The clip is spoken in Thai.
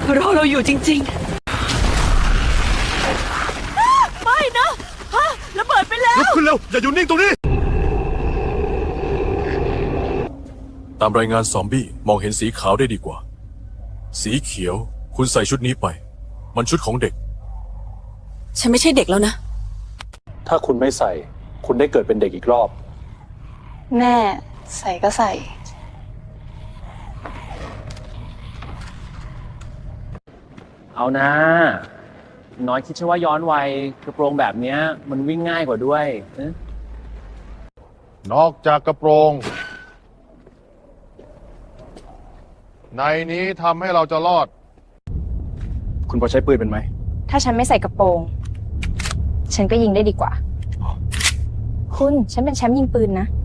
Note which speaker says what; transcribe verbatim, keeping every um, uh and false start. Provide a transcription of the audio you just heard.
Speaker 1: รอเราอยู่จริงๆไม่นะฮะระเบิดไปแล้ว
Speaker 2: ลุกขึ้นเร็ว อย่าอยู่นิ่งตรงนี้
Speaker 3: ตามรายงานซอมบี้มองเห็นสีขาวได้ดีกว่า สีเขียวคุณใส่ชุดนี้ไป มันชุดของเด็ก
Speaker 1: ฉันไม่ใช่เด็กแล้วนะ
Speaker 4: ถ้าคุณไม่ใส่ คุณได้เกิดเป็นเด็กอีกรอบ
Speaker 5: แม่ใส่ก็ใส่
Speaker 6: เอานะน้อยคิดใช่ว่าย้อนวัยกระโปรงแบบเนี้ยมันวิ่งง่ายกว่าด้วยเอ๊ะ
Speaker 2: นอกจากกระโปรง ในนี้ทำให้เราจะรอด
Speaker 4: คุณพอใช้ปืนเป็นไหม
Speaker 5: ถ้าฉันไม่ใส่กระโปรง ฉันก็ยิงได้ดีกว่า คุณฉันเป็นแชมป์ยิงปืนนะ